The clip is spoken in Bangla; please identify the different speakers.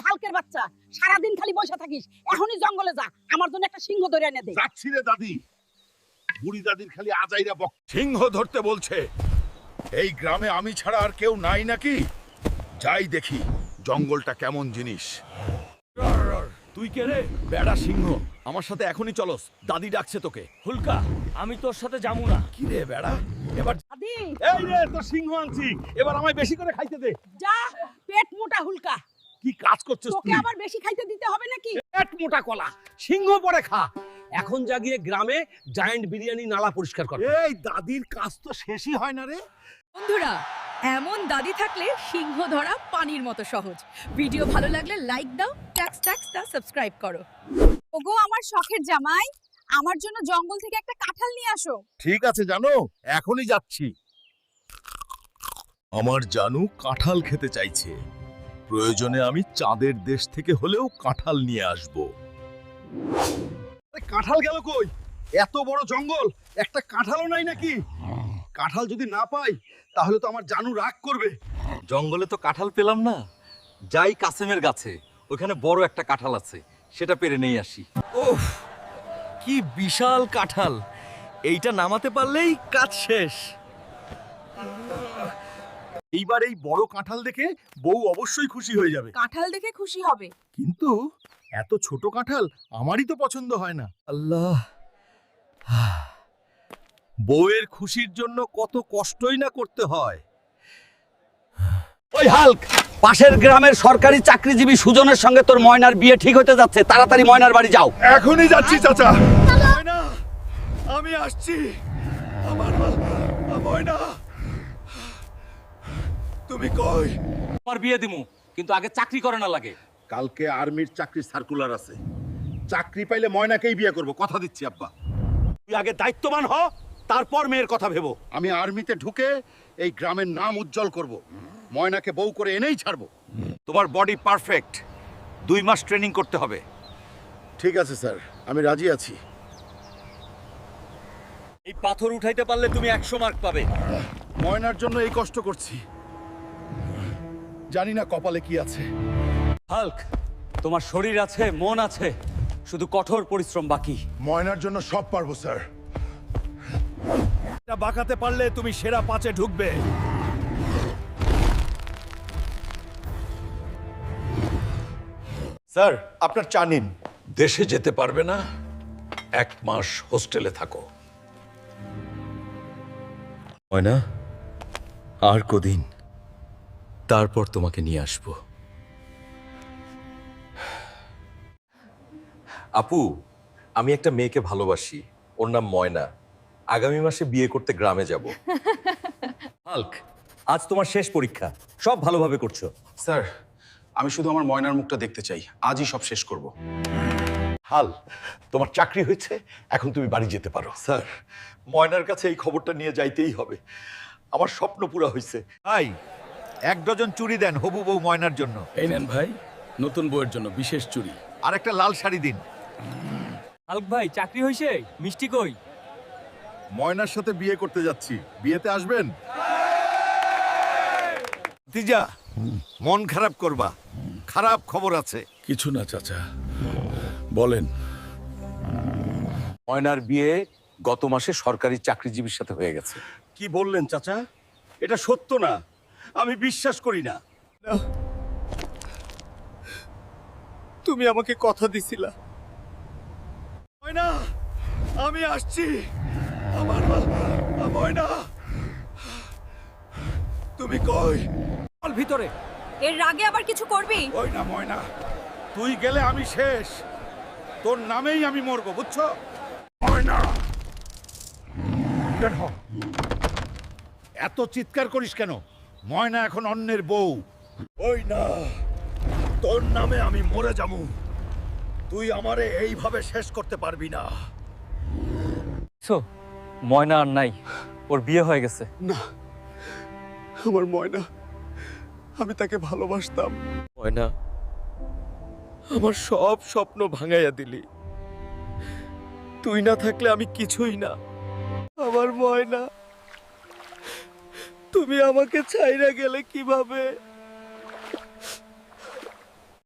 Speaker 1: হালকের বাচ্চা, সারাদিন খালি বসে থাকিস। এখনই জঙ্গলে যা, আমার জন্য একটা সিংহ ধরে এনে দে।
Speaker 2: যাচ্ছি রে দাদি। বুড়ি দাদির খালি আজাইরা বক।
Speaker 3: সিংহ ধরতে বলছে। এই গ্রামে আমি ছাড়া আর কেউ নাই নাকি? যাই দেখি জঙ্গলটা কেমন জিনিস।
Speaker 4: তুই কে রে?
Speaker 3: বেড়া সিংহ, আমার সাথে এখনই চলস, দাদি ডাকছে তোকে।
Speaker 4: হুলকা, আমি তোর সাথে যাবো না।
Speaker 3: কি রে বেড়া, এবার
Speaker 1: দাদি
Speaker 2: এই রে তোর সিংহ আনছি, এবার আমায় বেশি করে খাইতে দে।
Speaker 1: যা, পেট মোটা হুলকা।
Speaker 2: কি কাজ করছিস
Speaker 1: তোকে
Speaker 2: তুই?
Speaker 1: আবার বেশি খাইতে দিতে হবে নাকি?
Speaker 5: পেট মোটা কলা, সিংহ পরে খা। এখন যা গিয়ে গ্রামে জায়ান্ট বিরিয়ানি নালা পরিষ্কার কর।
Speaker 2: এই দাদির কাজ তো শেষই হয় না রে।
Speaker 6: বন্ধুরা, এমন দাদি থাকলে সিংহ ধরা পানির মতো সহজ। ভিডিও ভালো লাগলে লাইক দাও, ট্যাক্স দা সাবস্ক্রাইব করো।
Speaker 7: ওগো আমার শখের জামাই, আমার জন্য জঙ্গল থেকে একটা কাঁঠাল নিয়ে আসো।
Speaker 3: ঠিক আছে জানো, এখনই যাচ্ছি। আমার জানু কাঁঠাল খেতে চাইছে, প্রয়োজনে আমি চাঁদের দেশ থেকে হলেও কাঁঠাল নিয়ে আসব।
Speaker 2: কাঁঠাল গেল কই? এত বড় জঙ্গল, একটা কাঁঠালও নাই নাকি? কাঁঠাল যদি না পাই তাহলে তো আমার জানু রাগ করবে।
Speaker 8: জঙ্গলে তো কাঁঠাল পেলাম না, যাই কাসেমের গাছে, ওখানে বড় একটা কাঁঠাল আছে, সেটা পেরে নেই আসি।
Speaker 4: ওফ, কি বিশাল কাঁঠাল! এইটা নামাতে পারলেই কাজ শেষ।
Speaker 3: এইবার এই বড় কাঁঠাল দেখে বউ অবশ্যই খুশি হয়ে যাবে।
Speaker 7: কাঁঠাল দেখে খুশি হবে।
Speaker 3: কিন্তু এত ছোট কাঁঠাল আমারই তো পছন্দ হয় না।
Speaker 4: আল্লাহ,
Speaker 3: বউয়ের খুশির জন্য কত কষ্টই না করতে হয়।
Speaker 5: ওই হাল্ক, পাশের গ্রামের সরকারি চাকরিজীবী সুজনের সঙ্গে তোর ময়নার বিয়ে ঠিক হতে যাচ্ছে, তাড়াতাড়ি ময়নার বাড়ি যাও।
Speaker 3: এখনই যাচ্ছি চাচা। ময়না, আমি আসছি। আমার ময়না, তুমি কই?
Speaker 8: আমার বিয়ে দিমু, কিন্তু আগে চাকরি করে না লাগে।
Speaker 2: কালকে আর্মির চাকরির সার্কুলার আছে, চাকরি পাইলে ময়নাকেই বিয়ে করব, কথা দিচ্ছি আব্বা।
Speaker 5: তুই আগে দায়িত্ববান হ, তারপর মেয়ের কথা ভেবো।
Speaker 2: আমি আর্মিতে ঢুকে এই গ্রামের নাম উজ্জ্বল করব, ময়নাকে বউ করে এনেই ছাড়বো।
Speaker 3: তোমার বডি পারফেক্ট, 2 মাস ট্রেনিং করতে হবে।
Speaker 2: ঠিক আছে স্যার, আমি রাজি আছি।
Speaker 4: এই পাথর উঠাইতে পারলে তুমি 100 মার্ক পাবে।
Speaker 2: ময়নার জন্য এই কষ্ট করছি, জানি না কপালে কি আছে।
Speaker 8: হাল্ক, তোমার শরীর আছে, মন আছে, শুধু কঠোর পরিশ্রম বাকি।
Speaker 2: ময়নার জন্য সব পারবো স্যার।
Speaker 3: এটা বাঁকাতে পারলে তুমি সেরা 5-এ ঢুকবে।
Speaker 2: স্যার আপনার চা নিন।
Speaker 3: দেশে যেতে পারবে না, 1 মাস হোস্টেলে থাকো।
Speaker 8: ময়না, আর কদিন, তারপর তোমাকে নিয়ে আসবো। আপু, আমি একটা মেয়েকে ভালোবাসি, ওর নাম ময়না। আগামী মাসে বিয়ে করতে গ্রামে যাব। হাল্ক, আজ তোমার শেষ পরীক্ষা, সব ভালোভাবে করছো।
Speaker 9: স্যার, আমি শুধু আমার ময়নার মুখটা দেখতে চাই, আজই সব শেষ করব।
Speaker 3: হাল, তোমার চাকরি হয়েছে, এখন তুমি বাড়ি যেতে পারো। স্যার, ময়নার কাছে এই খবরটা নিয়ে যাইতেই হবে, আমার স্বপ্ন পুরা হয়েছে। ভাই, 1 ডজন চুড়ি দেন হবু বউ ময়নার জন্য।
Speaker 4: এই নেন ভাই, নতুন বউয়ের জন্য বিশেষ চুড়ি।
Speaker 3: আর একটা লাল শাড়ি দিন।
Speaker 4: হাল্ক ভাই, চাকরি হইছে? মিষ্টি কই?
Speaker 3: ময়নার সাথে বিয়ে করতে যাচ্ছি, বিয়েতে আসবেন? তিজা, মন খারাপ করবা, খারাপ খবর আছে।
Speaker 4: কিছু না চাচা, বলেন।
Speaker 8: ময়নার বিয়ে গত মাসে সরকারি চাকরিজীবীর সাথে হয়ে গেছে।
Speaker 2: কি বললেন চাচা? এটা সত্য না, আমি বিশ্বাস করি না।
Speaker 3: তুমি আমাকে কথা দিছিলা। ময়না, আমি আসছি। আমার ময়না, তুমি কই?
Speaker 5: চল ভিতরে।
Speaker 7: এর রাগে আবার কিছু করবি?
Speaker 2: ওই না ময়না, তুই গেলে আমি শেষ, তোর নামেই আমি মরবো, বুঝছো? ময়না, বের হ। এত চিৎকার করিস কেন? ময়না এখন অন্যের বউ।
Speaker 3: ওই না, তোর নামে আমি মরে যাবো, তুই আমারে এইভাবে শেষ করতে পারবি না।
Speaker 8: ময়না আর নাই, ওর বিয়ে হয়ে গেছে।
Speaker 9: না, আমার ময়না, আমি তাকে ভালোবাসতাম।
Speaker 4: ময়না, আমার সব স্বপ্ন ভাঙাইয়া দিলি। তুই না থাকলে আমি কিছুই না। আমার ময়না, তুমি আমাকে ছাইরা গেলে কিভাবে?